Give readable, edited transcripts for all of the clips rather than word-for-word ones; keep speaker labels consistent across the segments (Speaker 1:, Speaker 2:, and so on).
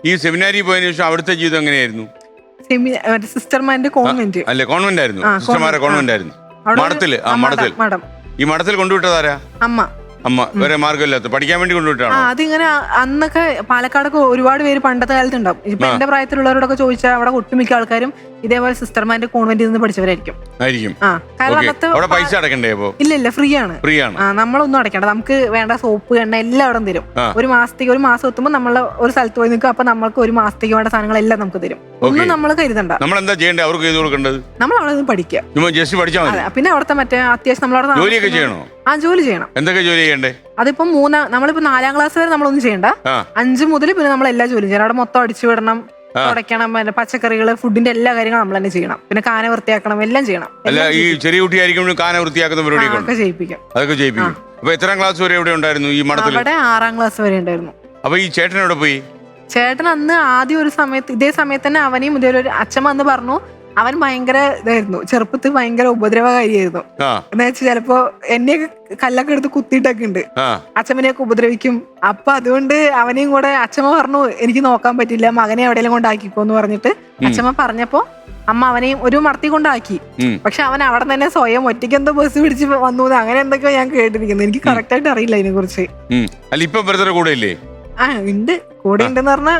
Speaker 1: ഈ സെമിനാരി പോയതിനു ശേഷം അവിടുത്തെ ജീവിതം എങ്ങനെയായിരുന്നു?
Speaker 2: സിസ്റ്റർമാരുടെ കോൺവെന്റ്.
Speaker 1: അല്ലേ, കോൺവെന്റ് ആയിരുന്നു, സിസ്റ്റർമാരെ കോൺവെന്റ് ആയിരുന്നു. മഠത്തില് ഈ മഠത്തിൽ കൊണ്ടുവിട്ടതാരാ? അമ്മ. വേറെ മാർഗമില്ലാത്ത പഠിക്കാൻ വേണ്ടി കൊണ്ടുവിട്ടാണോ?
Speaker 2: അതിങ്ങനെ അന്നൊക്കെ പാലക്കാടൊക്കെ ഒരുപാട് പേര് പണ്ടത്തെ കാലത്ത് ഉണ്ടാവും. ഇപ്പൊ എന്റെ പ്രായത്തിലുള്ളവരോടൊക്കെ ചോദിച്ചാൽ അവിടെ ഒട്ടുമിക്ക ആൾക്കാരും ഇതേപോലെ സിസ്റ്റർമാരുടെ കോൺവെന്റിൽ നിന്ന് പഠിച്ചവരായിരിക്കും.
Speaker 1: കാരണം പൈസ അടക്കണ്ടേ?
Speaker 2: ഇല്ല, ഫ്രീ ആണ്. നമ്മളൊന്നും അടക്കണ്ട. നമുക്ക് വേണ്ട സോപ്പ്, എണ്ണ എല്ലാം അവിടെ തരും. ഒരു മാസം എത്തുമ്പോൾ നമ്മൾ ഒരു സ്ഥലത്ത് പോയി നിൽക്കും. അപ്പൊ നമ്മൾക്ക് ഒരു മാസത്തേക്ക് വേണ്ട സാധനങ്ങളെല്ലാം നമുക്ക് തരും. ഒന്നും നമ്മൾ കരുതണ്ട.
Speaker 1: നമ്മൾ എന്താ ചെയ്യേണ്ടത്? അവർക്ക് ചെയ്ത് കൊടുക്കേണ്ടത്
Speaker 2: നമ്മൾ അവിടെ നിന്ന് പഠിക്കുക. പിന്നെ അവിടുത്തെ മറ്റേ അത്യാവശ്യം നമ്മളവിടെ
Speaker 1: ജോലിയൊക്കെ ചെയ്യണോ?
Speaker 2: ജോലി ചെയ്യണം.
Speaker 1: എന്തൊക്കെ ജോലി ചെയ്യണ്ടേ?
Speaker 2: അതിപ്പോ നമ്മളിപ്പോ 4ാം ക്ലാസ് വരെ നമ്മളൊന്നും ചെയ്യണ്ട. 5 മുതൽ പിന്നെ നമ്മൾ എല്ലാ ജോലിയും ചെയ്യണം. അവിടെ മൊത്തം അടിച്ചു വിടണം, തുടയ്ക്കണം, പച്ചക്കറികള്, ഫുഡിന്റെ എല്ലാ കാര്യങ്ങളും നമ്മൾ തന്നെ ചെയ്യണം. പിന്നെ കാന വൃത്തിയാക്കണം, എല്ലാം ചെയ്യണം.
Speaker 1: അല്ല, ഈ ചെറിയ കുട്ടിയായിരിക്കും കാന വൃത്തിയാക്കുന്ന പരിപാടിയൊക്കെ ചെയ്യിപ്പിക്കും. അതൊക്കെ ചെയ്യിപ്പിക്കും. അപ്പൊ എത്രാം ക്ലാസ് വരെ എവിടെ ഉണ്ടായിരുന്നു ഈ മഠത്തിൽ?
Speaker 2: അവിടെ 6ാം ക്ലാസ് വരെ ഉണ്ടായിരുന്നു.
Speaker 1: അപ്പൊ ഈ ചേട്ടൻ എവിടെ പോയി?
Speaker 2: ചേട്ടൻ അന്ന് ആദ്യം ഒരു സമയത്ത് ഇതേ സമയത്ത് തന്നെ അവനെയും ഇതേപോലെ അച്ഛൻ വന്ന് പറഞ്ഞു. അവൻ ഭയങ്കര ഇതായിരുന്നു, ചെറുപ്പത്തിൽ ഭയങ്കര ഉപദ്രവകാരിയായിരുന്നു. എന്ന് വെച്ചാൽ ചിലപ്പോ എന്നെയൊക്കെ കല്ലൊക്കെ എടുത്ത് കുത്തിയിട്ടൊക്കെ ഉണ്ട്. അച്ഛമ്മനെയൊക്കെ ഉപദ്രവിക്കും. അപ്പൊ അതുകൊണ്ട് അവനെയും കൂടെ അച്ഛമ്മ പറഞ്ഞു, എനിക്ക് നോക്കാൻ പറ്റില്ല, മകനെ എവിടെയെങ്കിലും കൊണ്ടാക്കിക്കോന്ന് പറഞ്ഞിട്ട് അച്ഛമ്മ പറഞ്ഞപ്പോ അമ്മ അവനെയും ഒരു മടത്തി കൊണ്ടാക്കി. പക്ഷെ അവൻ അവിടെ തന്നെ സ്വയം ഒറ്റയ്ക്ക് എന്തോ ബസ് പിടിച്ച് വന്നു, അങ്ങനെ എന്തൊക്കെയോ ഞാൻ കേട്ടിരിക്കുന്നു. എനിക്ക് കറക്റ്റ് ആയിട്ട് അറിയില്ല അതിനെ കുറിച്ച്. ഉണ്ട്, കൂടെ ഉണ്ടെന്ന് പറഞ്ഞാ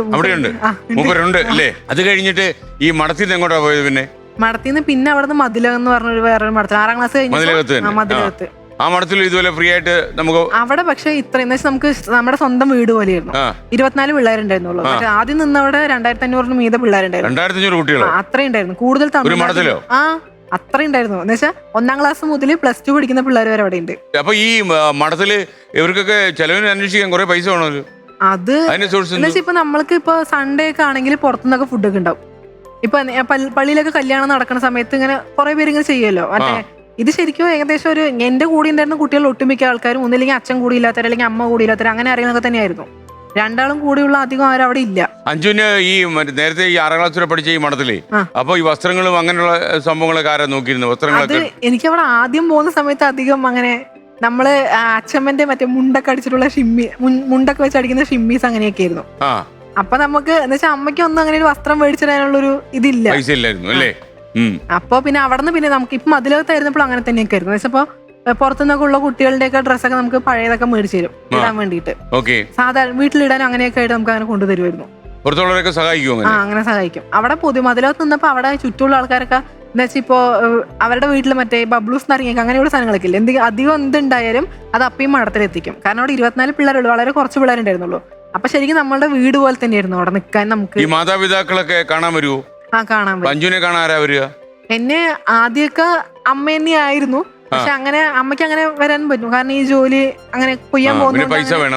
Speaker 2: ഉണ്ട്.
Speaker 1: അത് കഴിഞ്ഞിട്ട് ഈ മഠത്തിൽ നിന്ന് എങ്ങോട്ടാ പോയത്?
Speaker 2: മഠത്തിൽ പിന്നെ അവിടെ മതിലകം എന്ന് പറഞ്ഞ വേറൊരു മഠത്തിൽ 6ാം ക്ലാസ് കഴിഞ്ഞു മതിലകത്ത്.
Speaker 1: ആ മഠത്തിൽ ഇതുപോലെ ഫ്രീ ആയിട്ട് നമുക്ക്
Speaker 2: അവിടെ പക്ഷെ ഇത്രയും നമുക്ക് നമ്മുടെ സ്വന്തം വീട് പോലെയായിരുന്നു. 24 പിള്ളേരുണ്ടായിരുന്നുള്ളൂ. പക്ഷെ ആദ്യം നിന്നവിടെ 2500 മീതെ പിള്ളേരുണ്ടായിരുന്നു.
Speaker 1: 2500 കുട്ടികൾ
Speaker 2: അത്രയും ഉണ്ടായിരുന്നു. കൂടുതൽ അത്രയും ഉണ്ടായിരുന്നു. എന്ന് വെച്ചാൽ 1ാം ക്ലാസ് മുതൽ +2 പഠിക്കുന്ന പിള്ളേർ വരെ അവിടെ ഉണ്ട്.
Speaker 1: അപ്പൊ ഈ മഠത്തില് ഇവർക്കൊക്കെ ചെലവിന് അന്വേഷിക്കാൻ കുറെ പൈസ വേണമല്ലോ.
Speaker 2: അത് ഇപ്പൊ നമ്മൾക്ക് ഇപ്പൊ സൺഡേ ഒക്കെ ആണെങ്കിൽ പുറത്തുനിന്നൊക്കെ ഫുഡൊക്കെ ഉണ്ടാവും. ഇപ്പൊ പള്ളിയിലൊക്കെ കല്യാണം നടക്കുന്ന സമയത്ത് ഇങ്ങനെ കുറെ പേര് ഇങ്ങനെ ചെയ്യുമല്ലോ. മറ്റേ ഇത് ശരിക്കും ഏകദേശം ഒരു എന്റെ കൂടെ ഉണ്ടായിരുന്ന കുട്ടികൾ ഒട്ടുമിക്ക ആൾക്കാരും ഒന്നില്ലെങ്കിൽ അച്ഛൻ കൂടി ഇല്ലാത്തവർ, അല്ലെങ്കിൽ അമ്മ കൂടി ഇല്ലാത്തവർ, അങ്ങനെ അറിയുന്നതൊക്കെ തന്നെയായിരുന്നു. 2ആളും കൂടിയുള്ള അധികം ആരും അവിടെ ഇല്ല.
Speaker 1: അഞ്ജുവിന് ഈ നേരത്തെ ഈ 6ാം ക്ലാസ് വരെ പഠിച്ച ഈ മഠത്തിലേ അപ്പൊ ഈ വസ്ത്രങ്ങളും അങ്ങനെയുള്ള സംഭവങ്ങളൊക്കെ ആരാ നോക്കിയിരുന്നു? വസ്ത്രങ്ങളൊക്കെ
Speaker 2: എനിക്ക് അവിടെ ആദ്യം പോകുന്ന സമയത്ത് അധികം അങ്ങനെ നമ്മള് അച്ഛമ്മന്റെ മറ്റേ മുണ്ടൊക്കെ അടിച്ചിട്ടുള്ള മുണ്ടൊക്കെ വെച്ച് അടിക്കുന്ന ഷിമ്മീസ് അങ്ങനെയൊക്കെ ആയിരുന്നു. അപ്പൊ നമുക്ക് എന്ന് വെച്ചാൽ അമ്മയ്ക്ക് ഒന്നും അങ്ങനെ ഒരു വസ്ത്രം മേടിച്ചിടാനുള്ളൊരു ഇതില്ല,
Speaker 1: പൈസ ഇല്ലായിരുന്നു അല്ലേ.
Speaker 2: അപ്പൊ പിന്നെ അവിടുന്ന് പിന്നെ നമുക്ക് ഇപ്പൊ മതിലകത്തായിരുന്നപ്പോൾ അങ്ങനെ തന്നെയൊക്കെ ആയിരുന്നു. എന്ന് വെച്ചപ്പോ പുറത്തുനിന്നൊക്കെ ഉള്ള കുട്ടികളുടെ ഒക്കെ ഡ്രസ്സൊക്കെ നമുക്ക് പഴയതൊക്കെ മേടിച്ചു തരും ഇടാൻ വേണ്ടിട്ട്. സാധാരണ വീട്ടിലിടാനും അങ്ങനെയൊക്കെ ആയിട്ട് നമുക്ക് അങ്ങനെ കൊണ്ടുതരുമായിരുന്നു. അങ്ങനെ സഹായിക്കും. അവിടെ മതിലകത്ത് നിന്നപ്പോ അവിടെ ചുറ്റുമുള്ള ആൾക്കാരൊക്കെ എന്താ വെച്ചാൽ ഇപ്പോ അവരുടെ വീട്ടിൽ മറ്റേ ബബ്ലൂസ് നിറങ്ങിയൊക്കെ അങ്ങനെയുള്ള സാധനങ്ങളൊക്കെ ഇല്ല. അധികം എന്തുണ്ടായാലും അത് അപ്പയും മഠത്തിലെത്തിക്കും. കാരണം അവിടെ 24 പിള്ളേരുള്ളൂ, വളരെ കുറച്ച് പിള്ളേരുണ്ടായിരുന്നുള്ളൂ. അപ്പൊ ശരിക്കും നമ്മളുടെ വീട് പോലെ തന്നെയായിരുന്നു അവിടെ നിൽക്കാൻ. നമുക്ക്
Speaker 1: ഈ മാതാപിതാക്കളൊക്കെ കാണാൻ വരുമോ?
Speaker 2: കാണാൻ വരും. എന്നെ ആദ്യമൊക്കെ അമ്മ തന്നെയായിരുന്നു. പക്ഷെ അങ്ങനെ അമ്മയ്ക്ക് അങ്ങനെ വരാൻ പറ്റും. കാരണം ഈ ജോലി അങ്ങനെ കൊയ്യാൻ പോകുന്നത് പൈസ വേണം.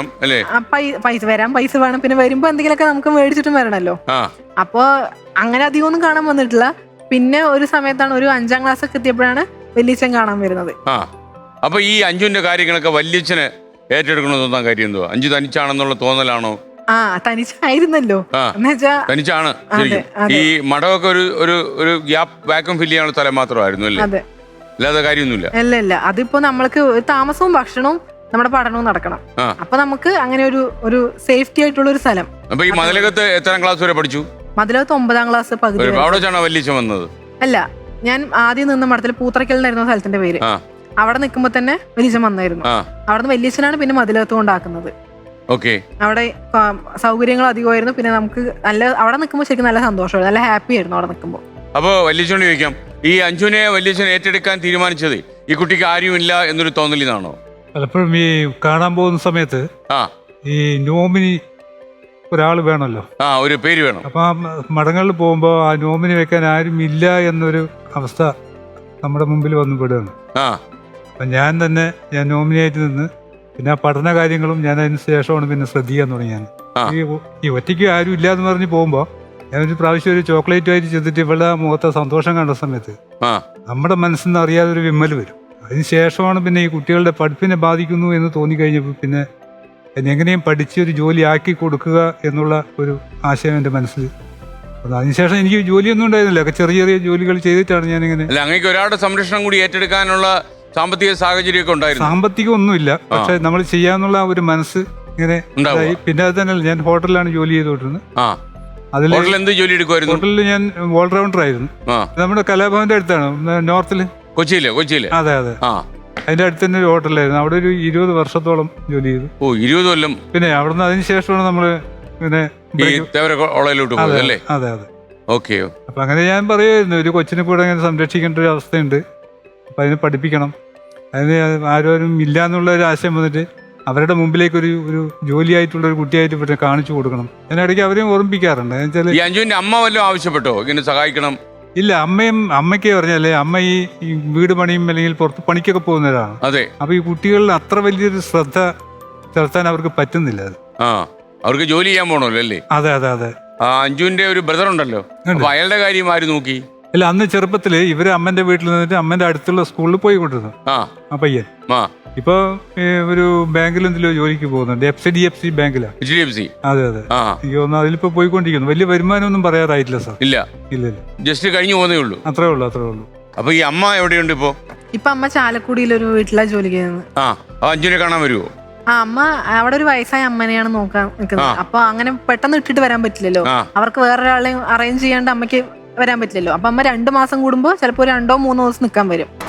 Speaker 2: പൈസ വേണം. പിന്നെ വരുമ്പോ എന്തെങ്കിലുമൊക്കെ നമുക്ക് മേടിച്ചിട്ടും വരണല്ലോ. അപ്പൊ അങ്ങനെ അധികം ഒന്നും കാണാൻ വന്നിട്ടില്ല. പിന്നെ ഒരു സമയത്താണ് ഒരു 5ാം ക്ലാസ് ഒക്കെ എത്തിയപ്പോഴാണ് വല്യച്ഛൻ കാണാൻ വരുന്നത്.
Speaker 1: അപ്പൊ ഈ അഞ്ജുവിന്റെ കാര്യങ്ങളൊക്കെ വല്യച്ഛന് ഏറ്റെടുക്കണമെന്ന് തോന്നാൻ കാര്യം എന്തോ? അഞ്ജു തനിച്ചാണെന്നുള്ള തോന്നലാണോ?
Speaker 2: തനിച്ചായിരുന്നല്ലോ.
Speaker 1: തനിച്ചാണ്. ഈ മഠമൊക്കെ ഒരു ഗ്യാപ്പ് വാക്വം ഫില്ല് ചെയ്യാനുള്ള സ്ഥലം മാത്രമായിരുന്നു അല്ലേ? അല്ലാതെ കാര്യമൊന്നുമില്ല.
Speaker 2: അല്ല, അതിപ്പോ നമ്മൾക്ക് താമസവും ഭക്ഷണവും നമ്മുടെ പഠനവും നടക്കണം. അപ്പൊ നമുക്ക് അങ്ങനെ ഒരു സേഫ്റ്റി ആയിട്ടുള്ള ഒരു സ്ഥലം.
Speaker 1: അപ്പൊ ഈ മതിലകത്ത് എത്രാം ക്ലാസ് വരെ പഠിച്ചു?
Speaker 2: മതിലകത്ത് 9ാം ക്ലാസ് പകുതി.
Speaker 1: വല്യച്ഛൻ വന്നത്
Speaker 2: അല്ല, ഞാൻ ആദ്യം നിന്ന മഠത്തിൽ പൂത്തറയ്ക്കലിനായിരുന്നു സ്ഥലത്തിന്റെ പേര്. അവിടെ നിൽക്കുമ്പോ തന്നെ വല്യച്ഛൻ വന്നായിരുന്നു. അവിടുന്ന് വല്യച്ഛനാണ് പിന്നെ മതിലകത്ത് കൊണ്ടാക്കുന്നത്. അവിടെ സൗകര്യങ്ങൾ അധികമായിരുന്നു. പിന്നെ നമുക്ക് അവിടെ നിൽക്കുമ്പോൾ ശരിക്കും നല്ല സന്തോഷമായിരുന്നു, നല്ല ഹാപ്പി ആയിരുന്നു അവിടെ നിൽക്കുമ്പോൾ.
Speaker 1: അപ്പൊ വല്യച്ഛനോട് ചോദിക്കാം, ഈ അഞ്ജുനെ വല്യച്ഛൻ ഏറ്റെടുക്കാൻ തീരുമാനിച്ചത് ഈ കുട്ടിക്ക് ആരുമില്ല എന്നൊരു തോന്നലിനാണോ?
Speaker 3: പലപ്പോഴും ഈ കാണാൻ പോകുന്ന സമയത്ത് ഈ നോമിനി ഒരാൾ വേണമല്ലോ,
Speaker 1: ഒരു പേര് വേണം.
Speaker 3: അപ്പൊ മഠങ്ങളിൽ പോകുമ്പോ ആ നോമിനി വെക്കാൻ ആരും ഇല്ല എന്നൊരു അവസ്ഥ നമ്മുടെ മുമ്പിൽ വന്നു പെടുകയാണ്. അപ്പൊ ഞാൻ നോമിനിയായിട്ട് നിന്ന് പിന്നെ ആ പഠന കാര്യങ്ങളും ഞാൻ അതിന് ശേഷമാണ് പിന്നെ ശ്രദ്ധിക്കാൻ തുടങ്ങിയത്. ഈ ഒറ്റയ്ക്ക് ആരും ഇല്ല എന്ന് പറഞ്ഞ് പോകുമ്പോ ഞാനൊരു പ്രാവശ്യം ഒരു ചോക്ലേറ്റുമായിട്ട് ചെന്നിട്ട് ഇവളുടെ മുഖത്തെ സന്തോഷം കണ്ട സമയത്ത് നമ്മുടെ മനസ്സിൽ നിന്ന് അറിയാതെ ഒരു വിമ്മൽ വരും. അതിന് ശേഷമാണ് പിന്നെ ഈ കുട്ടികളുടെ പഠിപ്പിനെ ബാധിക്കുന്നു എന്ന് തോന്നിക്കഴിഞ്ഞപ്പോൾ പിന്നെ എങ്ങനെയും പഠിച്ച് ഒരു ജോലി ആക്കി കൊടുക്കുക എന്നുള്ള ഒരു ആശയം എൻ്റെ മനസ്സിൽ. അതിനുശേഷം എനിക്ക് ജോലിയൊന്നും ഉണ്ടായിരുന്നില്ല, ചെറിയ ചെറിയ ജോലികൾ ചെയ്തിട്ടാണ് ഞാനിങ്ങനെ.
Speaker 1: അങ്ങേക്ക് ഒരാളുടെ സംരക്ഷണം കൂടി ഏറ്റെടുക്കാനുള്ള സാമ്പത്തിക സാഹചര്യമൊക്കെ ഉണ്ടായിരുന്നു?
Speaker 3: സാമ്പത്തികം ഒന്നുമില്ല, പക്ഷെ നമ്മൾ ചെയ്യാന്നുള്ള ഒരു മനസ്സ് ഇങ്ങനെ ഇതായി. പിന്നെ അത് തന്നെയല്ല, ഞാൻ ഹോട്ടലിലാണ് ജോലി ചെയ്തുകൊണ്ടിരുന്നത്.
Speaker 1: എന്ത് ജോലി എടുക്കുമായിരുന്നു?
Speaker 3: ഹോട്ടലിൽ ഞാൻ ഓൾറൗണ്ടർ ആയിരുന്നു. നമ്മുടെ കലാഭവന്റെ അടുത്താണ്, നോർത്തില്,
Speaker 1: കൊച്ചിയില്.
Speaker 3: അതെ അതെ, അതിന്റെ അടുത്ത് തന്നെ ഒരു ഹോട്ടലായിരുന്നു. അവിടെ ഒരു 20 വർഷത്തോളം ജോലി ചെയ്തു.
Speaker 1: 20 കൊല്ലം.
Speaker 3: പിന്നെ അവിടുന്ന് അതിനുശേഷമാണ് നമ്മള് പിന്നെ
Speaker 1: അതെ
Speaker 3: അതെ. അപ്പൊ അങ്ങനെ ഞാൻ പറയുമായിരുന്നു, ഒരു കൊച്ചിനെ കൂടെ അങ്ങനെ സംരക്ഷിക്കേണ്ട ഒരു അവസ്ഥയുണ്ട്, അപ്പൊ അതിനെ പഠിപ്പിക്കണം, അതിന് ആരും ഇല്ല എന്നുള്ള ഒരു ആശയം വന്നിട്ട് അവരുടെ മുമ്പിലേക്ക് ഒരു ജോലിയായിട്ടുള്ള ഒരു കുട്ടിയായിട്ട് ഇവിടെ കാണിച്ചു കൊടുക്കണം. അതിനിടയ്ക്ക് അവരെയും ഓർമ്മിപ്പിക്കാറുണ്ട്.
Speaker 1: അഞ്ജുവിന്റെ അമ്മ വല്ലതും ആവശ്യപ്പെട്ടോ ഇങ്ങനെ സഹായിക്കണം?
Speaker 3: ഇല്ല, അമ്മയ്ക്ക് പറഞ്ഞാലേ, അമ്മ ഈ വീട് പണിയും അല്ലെങ്കിൽ പുറത്ത് പണിക്കൊക്കെ പോകുന്നവരാണ്.
Speaker 1: അതെ.
Speaker 3: അപ്പൊ ഈ കുട്ടികളിൽ അത്ര വലിയൊരു ശ്രദ്ധ ചെലുത്താൻ അവർക്ക് പറ്റുന്നില്ല. അത്
Speaker 1: അവർക്ക് ജോലി ചെയ്യാൻ പോണല്ലോ അല്ലേ?
Speaker 3: അതെ അതെ അതെ.
Speaker 1: അഞ്ജുവിന്റെ ഒരു ബ്രദർ ഉണ്ടല്ലോ, അയാളുടെ കാര്യം ആര് നോക്കി?
Speaker 3: അല്ല, അന്ന് ചെറുപ്പത്തില് ഇവര് അമ്മന്റെ വീട്ടിൽ നിന്നിട്ട് അമ്മന്റെ അടുത്തുള്ള സ്കൂളിൽ പോയിക്കൊണ്ടിരുന്നു ആ പയ്യൻ. ഇപ്പൊ ഒരു ബാങ്കിൽ എന്തെല്ലോ ജോലിക്ക് പോകുന്നുണ്ട്, HDFC ബാങ്കിലാണ്. അതെ അതെ. എനിക്ക് തോന്നുന്നു അതിലിപ്പോ പോയിക്കൊണ്ടിരിക്കുന്നു. വലിയ വരുമാനമൊന്നും പറയാറായിട്ടില്ല സാർ.
Speaker 1: ഇല്ല,
Speaker 2: ജസ്റ്റ്
Speaker 1: കഴിഞ്ഞു പോകുന്നേ ഉള്ളൂ.
Speaker 3: അത്രേ ഉള്ളൂ.
Speaker 1: അപ്പൊ ഈ അമ്മ എവിടെയുണ്ട് ഇപ്പൊ?
Speaker 2: അമ്മ ചാലക്കുടിയിലൊരു വീട്ടിലാ ജോലി ചെയ്യുന്നത്.
Speaker 1: അഞ്ജുനെ കാണാൻ വരുമോ?
Speaker 2: അമ്മ അവിടെ ഒരു വയസ്സായ അമ്മനെയാണ് നോക്കാൻ നിൽക്കുന്നത്. അപ്പൊ അങ്ങനെ പെട്ടെന്ന് ഇട്ടിട്ട് വരാൻ പറ്റില്ലല്ലോ, അവർക്ക് വേറൊരാളെ അറേഞ്ച് ചെയ്യാണ്ട് അമ്മയ്ക്ക് വരാൻ പറ്റില്ലല്ലോ. അപ്പൊ അമ്മ 2 മാസം കൂടുമ്പോ ചിലപ്പോ 2-3 ദിവസം നിൽക്കാൻ വരും.